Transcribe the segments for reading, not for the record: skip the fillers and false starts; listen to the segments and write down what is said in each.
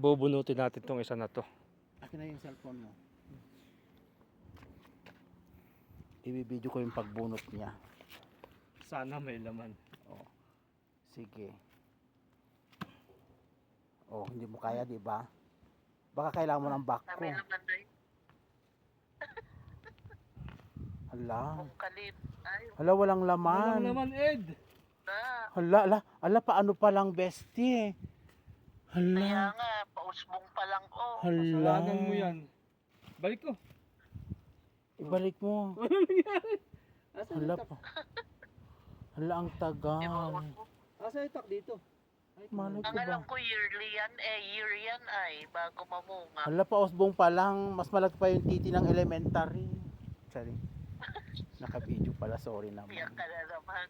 bubunutin natin tong isa na to. Akin na yung cellphone mo. Ibibideo ko yung pagbunot niya. Sana may laman. Oh. Sige. Oh, hindi mo kaya, di ba? Baka kailangan mo ng back ko. May laman doy. Hala. Kung kalit. Ay, Hala, walang laman. Walang laman, Ed. na. Hala, paano pa lang, bestie? Kaya Hala. nga, pausbong pa lang oh. Hala. Kasalanan mo yan. Balik ko. Ibalik mo. Asa Hala pa. Hala, ang tagal. Asa itak dito? Malay Ang ko ba? alam ko yearly yan year yan ay, bago mamunga. Hala, pausbong pa lang. Mas malaki pa yung titi ng elementary. Sorry. Naka-video pala, sorry naman. Iyak ka na naman.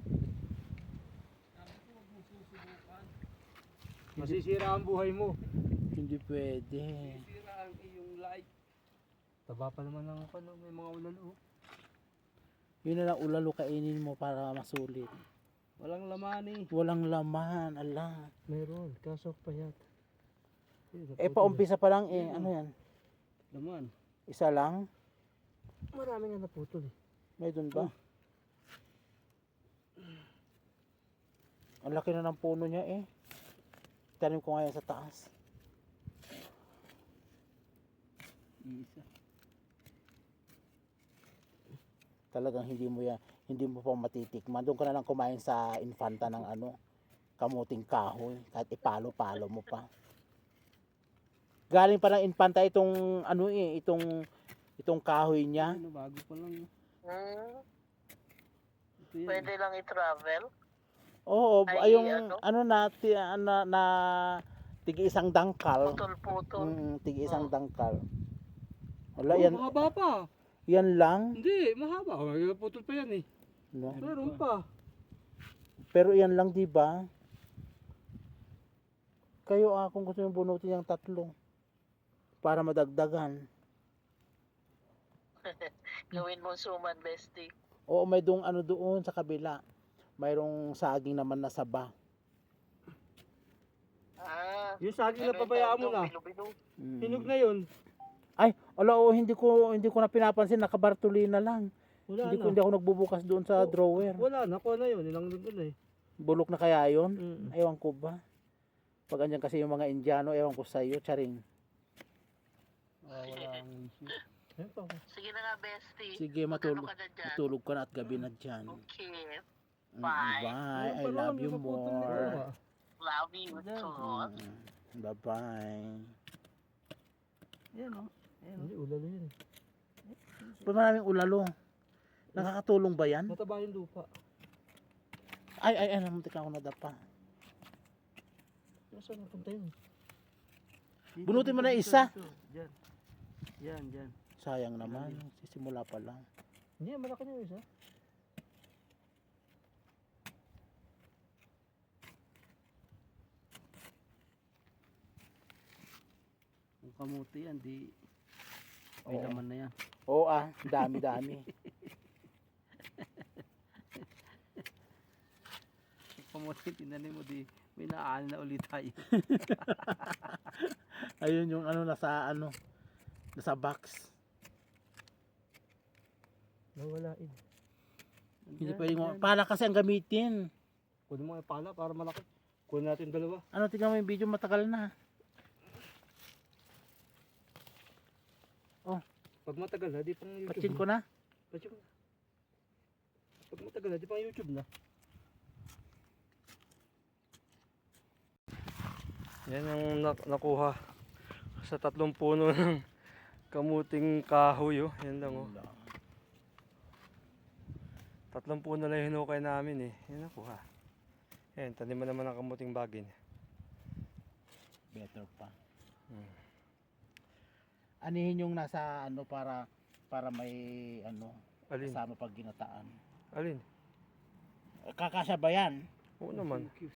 Masisira ang buhay mo. Hindi pwede. Masisira ang iyong life. Taba pa naman ng ano, may mga ulalo. Yun na lang ulalo kainin mo para masulit. Walang laman eh. Walang laman, ala. Meron, kaso payat. Paumpisa pa lang eh. Ano yan? Laman. Isa lang? Marami nga naputol eh. May dun ba? Ang laki na ng puno niya eh. Tanim ko ngayon sa taas. Isa. Talagang hindi mo pa matitikman. Doon ka na lang kumain sa infanta ng ano, kamuting kahoy. Kahit ipalo-palo mo pa. Galing pa ng infanta itong ano eh, itong kahoy niya. Ano, bago pa lang. Ito yan. Pwede lang i-travel. Oo, Ay, yung ano na tigi isang dangkal. Putol-putol. Tigi isang dangkal. Wala yan, Mahaba pa. yan lang. Hindi, mahaba. May putol pa yan eh. No? Meron pa. Pero yan lang, di ba? Kayo kung gusto niyo bunutin yung tatlo para madagdagan. Gawin mo suman, bestie. Oo, may dong ano doon sa kabila. Mayroong saging naman na saba. Yung saging na pabayaan mo na. Bilo-bilo. Hinog na yun. Ay, ala, hindi ko na pinapansin, nakabartuli na lang. Wala Hindi na. ako nagbubukas doon sa drawer. Wala na. Kuha na yun. Ilang doon eh. Bulok na kaya yun? Mm. Ewan ko ba? Pag andyan kasi yung mga Indiano, ewan ko sa iyo, charing. Wala ang issue. Ayun pa. Sige na nga, bestie. Sige, Magano ka na dyan? matulog ka na at gabi na dyan. Okay. Bye. I love you more. Love you too. Bye-bye. Yan o. Hindi, ulalo yun. Pag maraming ulalo, nakakatulong ba yan? Mataba yung lupa. Ay, namuntik ako nadapa. Nasaan napunta yun? Bunutin mo na isa. Diyan. Yan. Sayang naman, sisimula pa lang. Hindi, malaki na yung isa. Ang kamuti yan, di may Oo. laman na yan. Oo dami-dami. Ang kamuti, tinanim mo, di may naaani na ulit tayo. Ayun yung nasa box. Nawalain. Hindi pwedeng pala kasi ang gamitin. Kunin mo yung pala para malaki. Kunin natin dalawa. Ano, tingnan mo yung video, matagal na. Pag matagal na, di pang YouTube Patsin ko na. Patsin ko na. Pag matagal na, di pang YouTube na. Yan ang nakuha sa 3 puno ng kamuting kahoy. Oh. Yan lang. Oh. 3 puno lang hinukay namin eh. Yan nakuha. Yan, taniman naman ng kamuting bagin. Better pa. Anihin yung nasa para may Alin? kasama pag ginataan. Alin? Kakasya ba yan? Oo naman.